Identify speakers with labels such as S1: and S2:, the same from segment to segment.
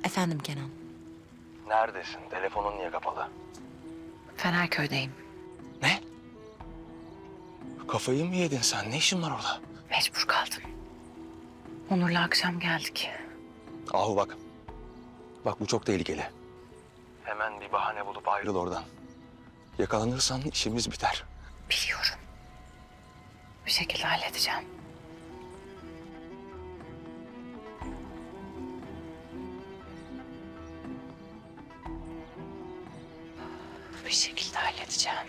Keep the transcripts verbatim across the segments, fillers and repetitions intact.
S1: Efendim Kenan.
S2: Neredesin? Telefonun niye kapalı?
S1: Fenerköy'deyim.
S2: Ne? Kafayı mı yedin sen? Ne işin var orada?
S1: Mecbur kaldım. Onur'la akşam geldik.
S2: Ahu bak. Bak bu çok tehlikeli. Hemen bir bahane bulup ayrıl oradan. Yakalanırsan işimiz biter.
S1: Biliyorum. Bir şekilde halledeceğim. Bir şekilde halledeceğim.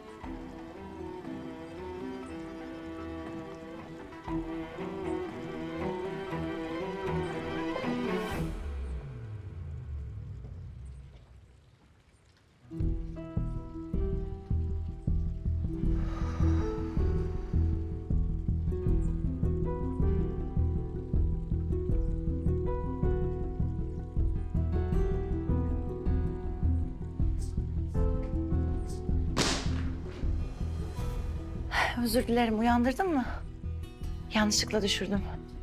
S1: Özür dilerim, uyandırdın mı? Yanlışlıkla düşürdüm.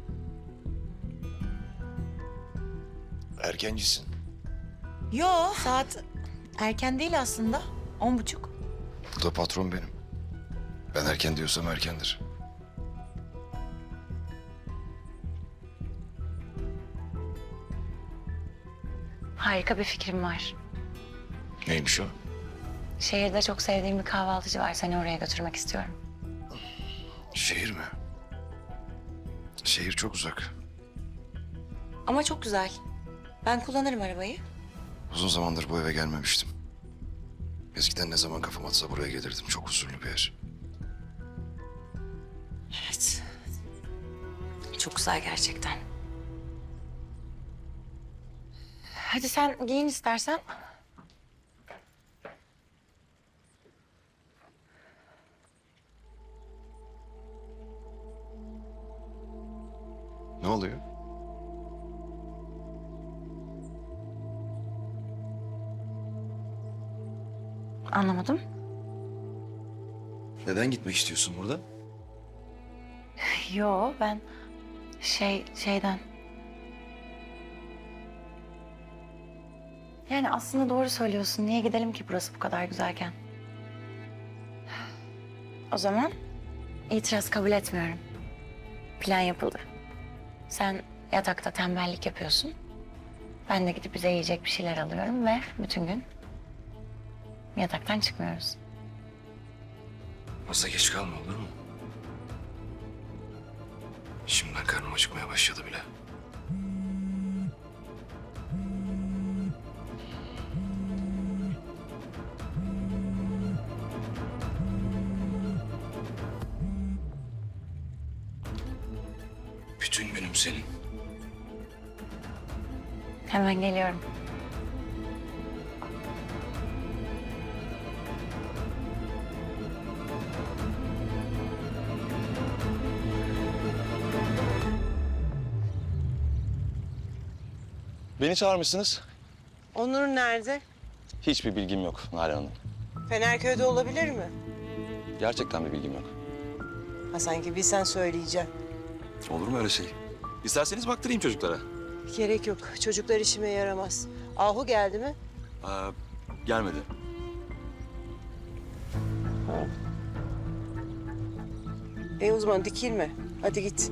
S3: Erkencisin.
S1: Yo, saat erken değil aslında. On buçuk.
S3: Bu da patron benim. Ben erken diyorsam erkendir.
S1: Harika bir fikrim var.
S3: Neymiş o?
S1: Şehirde çok sevdiğim bir kahvaltıcı var. Seni oraya götürmek istiyorum.
S3: Şehir mi? Şehir çok uzak.
S1: Ama çok güzel. Ben kullanırım arabayı.
S3: Uzun zamandır bu eve gelmemiştim. Eskiden ne zaman kafam atsa buraya gelirdim. Çok huzurlu bir yer.
S1: Evet. Çok güzel gerçekten. Hadi sen giyin istersen.
S3: Ne oluyor?
S1: Anlamadım.
S3: Neden gitmek istiyorsun burada?
S1: Yo, ben şey şeyden. Yani aslında doğru söylüyorsun. Niye gidelim ki burası bu kadar güzelken? O zaman itiraz kabul etmiyorum. Plan yapıldı. Sen yatakta tembellik yapıyorsun. Ben de gidip bize yiyecek bir şeyler alıyorum ve bütün gün yataktan çıkmıyoruz.
S3: Fazla geç kalma olur mu? Şimdiden karnım acıkmaya başladı bile. Bütün günüm senin.
S1: Hemen geliyorum.
S2: Beni çağırmışsınız.
S4: Onur nerede?
S2: Hiçbir bilgim yok Nalan Hanım.
S4: Fenerköy'de olabilir mi?
S2: Gerçekten bir bilgim yok.
S4: Ha sanki bilsen söyleyeceğim.
S2: Olur mu öyle şey? İsterseniz baktırayım çocuklara.
S4: Gerek yok. Çocuklar işime yaramaz. Ahu geldi mi?
S2: Aa, gelmedi.
S4: E o zaman dikilme. Hadi git.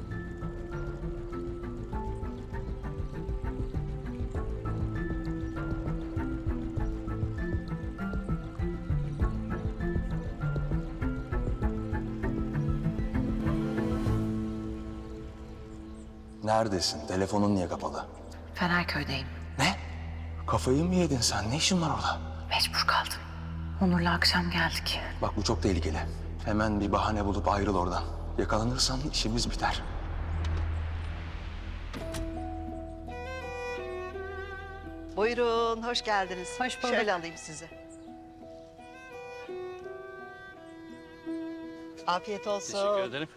S2: Neredesin? Telefonun niye kapalı?
S1: Fenerköy'deyim.
S2: Ne? Kafayı mı yedin sen? Ne işin var orada?
S1: Mecbur kaldım. Onur'la akşam geldik.
S2: Bak bu çok tehlikeli. Hemen bir bahane bulup ayrıl oradan. Yakalanırsan işimiz biter.
S5: Buyurun, hoş geldiniz.
S6: Hoş bulduk.
S5: Şöyle alayım sizi. Afiyet olsun.
S6: Teşekkür ederim.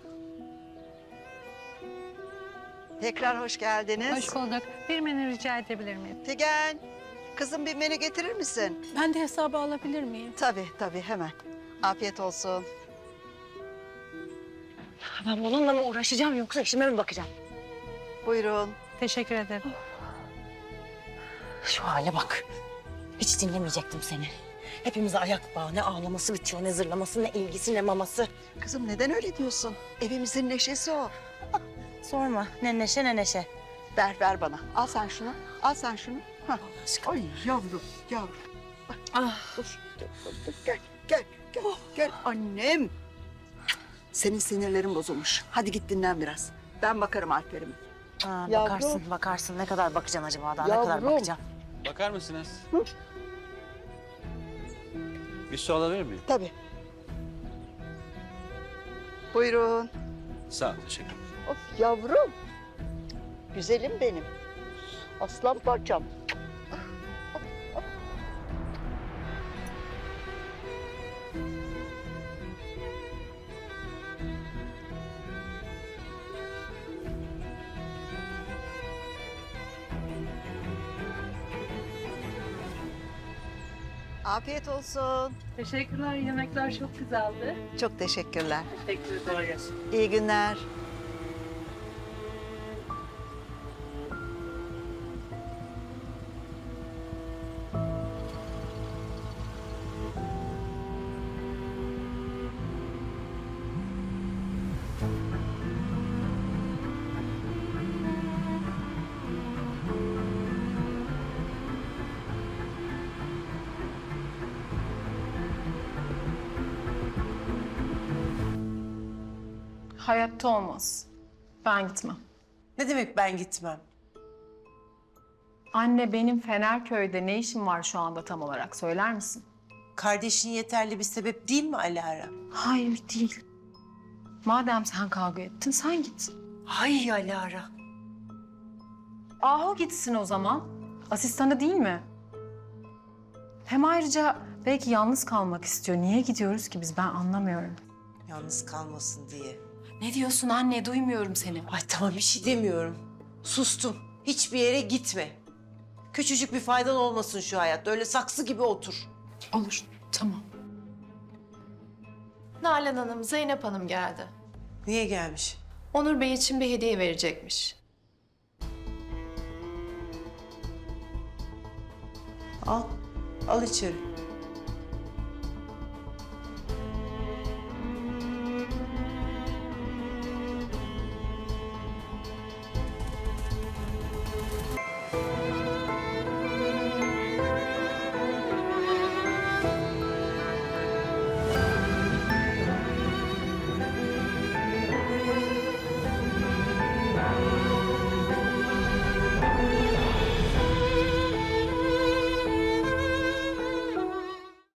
S5: Tekrar hoş geldiniz.
S6: Hoş bulduk. Bir menü rica edebilir miyim?
S5: Figen, kızım bir menü getirir misin?
S6: Ben de hesabı alabilir miyim?
S5: Tabii, tabii hemen. Afiyet olsun.
S1: Ben bununla mı uğraşacağım yoksa işime mi bakacağım?
S5: Buyurun.
S6: Teşekkür ederim.
S1: Şu hale bak. Hiç dinlemeyecektim seni. Hepimize ayak bağı. Ne ağlaması bitiyor, ne zırlaması, ne ilgisi, ne maması.
S5: Kızım neden öyle diyorsun? Evimizin neşesi o.
S1: Sorma. Ne neşe ne neşe.
S5: Ver ver bana. Al sen şunu. Al sen şunu. Hah.
S1: Aşkım.
S5: Ay yavrum yavrum.
S1: Ah.
S5: Dur, dur, dur, dur. Gel, gel, gel, gel annem. Senin sinirlerin bozulmuş. Hadi git dinlen biraz. Ben bakarım Alper'ime.
S1: Aa,
S5: Yavrum.
S1: bakarsın, bakarsın. Ne kadar bakacaksın acaba daha? Ne kadar
S5: Yavrum.
S1: bakacaksın?
S7: Bakar mısınız?
S5: Hı?
S7: Bir su alabilir miyim?
S5: Tabii. Buyurun.
S7: Sağ ol, teşekkür ederim.
S5: Of yavrum. Güzelim benim. Aslan parçam. Afiyet olsun.
S6: Teşekkürler. Yemekler çok güzeldi.
S5: Çok teşekkürler.
S6: Teşekkür ederim.
S5: İyi günler.
S8: Hayatta olmaz. Ben gitmem.
S9: Ne demek ben gitmem?
S8: Anne benim Fenerköy'de ne işim var şu anda tam olarak söyler misin?
S9: Kardeşin yeterli bir sebep değil mi Alara?
S8: Hayır değil. Madem sen kavga ettin sen git.
S9: Hay Alara.
S8: Ahu gitsin o zaman. Asistanı değil mi? Hem ayrıca belki yalnız kalmak istiyor. Niye gidiyoruz ki biz ben anlamıyorum.
S9: Yalnız kalmasın diye.
S8: Ne diyorsun anne duymuyorum seni.
S9: Ay tamam bir şey demiyorum. Sustum. Hiçbir yere gitme. Küçücük bir faydan olmasın şu hayatta. Öyle saksı gibi otur.
S8: Olur tamam.
S10: Nalan Hanım, Zeynep Hanım geldi.
S9: Niye gelmiş?
S10: Onur Bey için bir hediye verecekmiş.
S9: Al. Al içeri.